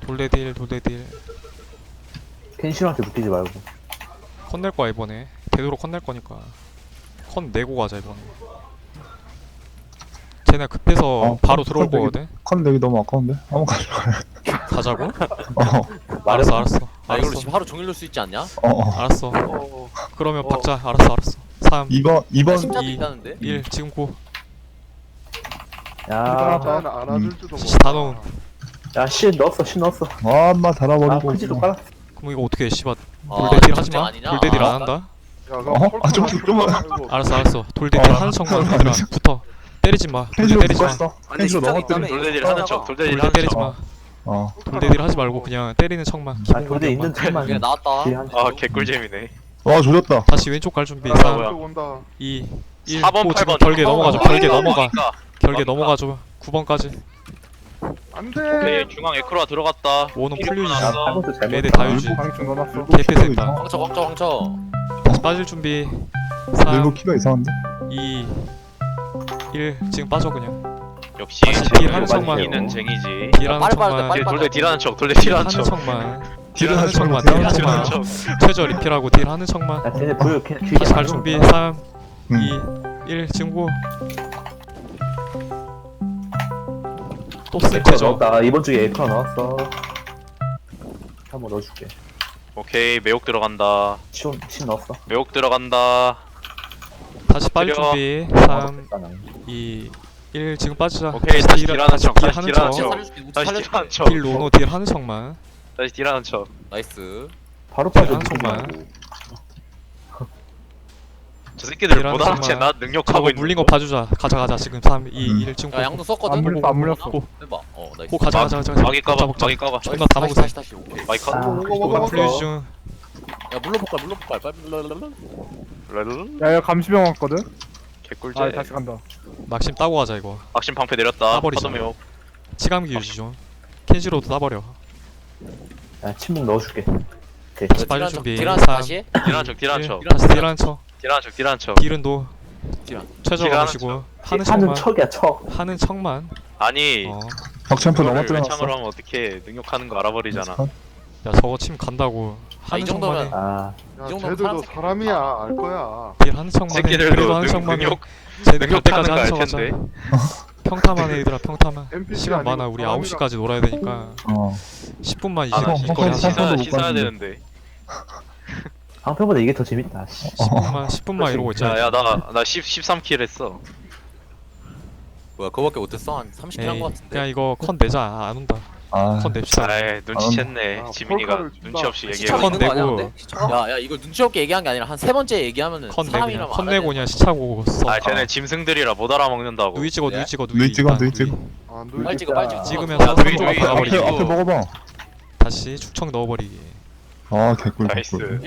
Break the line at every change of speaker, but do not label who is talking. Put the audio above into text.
돌대딜 돌대딜.
켄시한테 묶이지 말고.
컨 낼 거야 이번에. 되도록 컨 낼 거니까. 컨 내고 가자 이번에. 쟤네 급해서 바로 들어올 거거든.
컨 내기 너무 아까운데? 한번 가져가요.
가자고?
어,
알았어 알았어.
아 이걸로
알았어
지금 하루 종일 놀 수 있지 않냐?
알았어.
어.
그러면 박자. 알았어 알았어. 3
2번
심자도
이-
있다는데?
1 지금 고.
야,
일단 안아줄지도
시 다 넣은.
야, 신 넣었어, 신 넣었어.
아마
아,
달아버리고
크지도 깔았어.
그럼 이거 어떻게 해 씨발.
아,
돌대딜
이거
하지마.
전쟁 아니냐?
돌대딜
아,
안 한다. 알았어 알았어. 돌대딜 하는 척만 얘들아. 붙어. 때리지 마. 돌대
펜시로
때리지 마.
묶었어. 펜시로 넘어뜨려.
돌대딜 하는 척, 돌대딜
돌대
하는
때리지
척.
마.
어.
돌대딜 하지 말고 그냥 때리는 척만.
아,
기본
근데 있는
공격만.
틈만.
그래 나왔다.
뒤에 한
아, 개꿀잼이네.
와 조졌다.
다시 왼쪽 갈 준비.
아,
3
뭐야.
온다.
2 1
4번,
오, 지금
8번.
결계 넘어가죠. 결계 넘어가. 결계
막니까.
넘어가죠. 9번까지.
안돼.
오케이, 중앙 에크로아 들어갔다.
원은
필요
풀리지.
없어.
야, 팔번도 잘못.
애들 다 유지.
방충 넣어놨어.
개패됐다.
황쳐.
다시 빠질 준비.
일부
3
키가 이상한데?
2 1 지금 빠져 그냥.
역시
다시 딜 하는
척만.
딜은 쟁이지.
딜하는
빨리 빠져,
척만.
빨리
돌대 딜하는 척, 돌대
딜
딜하는
하는
척.
척만.
딜을
딜하는
하지
척만.
말고
딜하는
딜하는
척만.
척.
최저 리필하고 딜 하는 척만.
야, 쟤네 보여. 뒤에
다시 갈 준비. 3
응.
2 1 지금 고. 또
에크로
쓸테죠.
넣었다. 이번 주에 에크로 넣었어. 한번 넣어줄게.
오케이, 매혹 들어간다.
신 넣었어.
매혹 들어간다.
다시 빠질
때려.
준비.
아,
3
됐다, 나는.
2 1 지금 빠지자.
오케이, 다시 딜하는
다시
척,
딜
다시
하는
딜하는
척.
척.
살려줄게. 우측
다시
살려줄게.
딜하는 척.
딜 로노 딜 하는 척만.
다시 딜하는 척.
나이스.
바로 빠져.
한 손만.
저 새끼들
딜하는
못 알아채.
척만.
나 능력하고
저거
있는
물린 거 봐주자. 가자 지금 3 2 1 지금
야 양도 썼거든.
안 물렸어, 안 물렸어.
고.
해봐. 나이스.
고 가자.
마기 까봐,
먹자.
마기 까봐.
존나 다 먹으세요.
다시. 오케이.
마이 컷.
아,
이거 플레이 중.
야 물로 폭발. 빨리.
야야 감시병 왔거든.
개꿀잼.
아 다시 간다.
막심 따고 가자 이거.
악신 방패 내렸다.
따버리자.
파도 매혹.
치감기 유지 좀. 켄시로도 따버려.
야, 침묵 넣어줄게. 오케이.
다시 빨리 준비.
딜한
3
다시 해?
딜하는 척, 딜하는 척.
다시 딜하는 척.
딜하는 척, 딜하는 척.
딜은 도
딜한.
최저
딜하는
가시고 하는
하는
척만.
척이야, 척.
하는 척만.
아니,
덕챔프
이거를
넘어뜨려
외창으로
놨어.
하면 어떻게 능력하는 거 알아버리잖아.
야 저거 침 간다고.
아, 이
하는
정도면-
척만 해.
아,
야
이 정도면
쟤들도
파란색
사람이야. 알 거야.
딜 하는 척만 해. 그래도
새끼들도
하는 척만 해.
능력
쟤네 갈
능력하는
때까지
거
하는
알
척 하자.
텐데.
평타만 해 얘들아 평타만.
NPC
시간
아니고
많아. 우리
사람이라.
9시까지 놀아야 되니까
어.
10분만
아, 나
이제
형,
거리
형,
하자.
형, 형.
씻어야 되는데.
방패보다 이게 더 재밌다. 씨.
10분만 이러고 있자.
야, 나 13킬 했어.
뭐야 그거밖에 못했어? 한 30킬 한 거 같은데.
그냥 이거 컨 내자. 안 온다.
아.
컨 냅시다.
아이, 눈치챘네.
아,
지민이가
폴카를 준다.
눈치 없이
시차가
얘기해.
컨
있는 거 아니야
내고.
근데? 시차가? 야 이거 눈치 없게 얘기한 게 아니라 한 세 번째 얘기하면은
컨 내고 그냥
사람이라면
컨
알아야
내고
돼.
그냥 시차고 써.
아, 쟤네 짐승들이라 못 알아먹는다고.
누이 찍어
네?
누이 찍어
누이 찍어,
일단
누이 찍어.
아,
빨리 찍어 빨리 찍어.
찍으면
야,
삼성
누이,
조각
누이,
박아버리기.
앞에 먹어봐.
다시 축청 넣어버리기.
아 개꿀
나이스.
개꿀.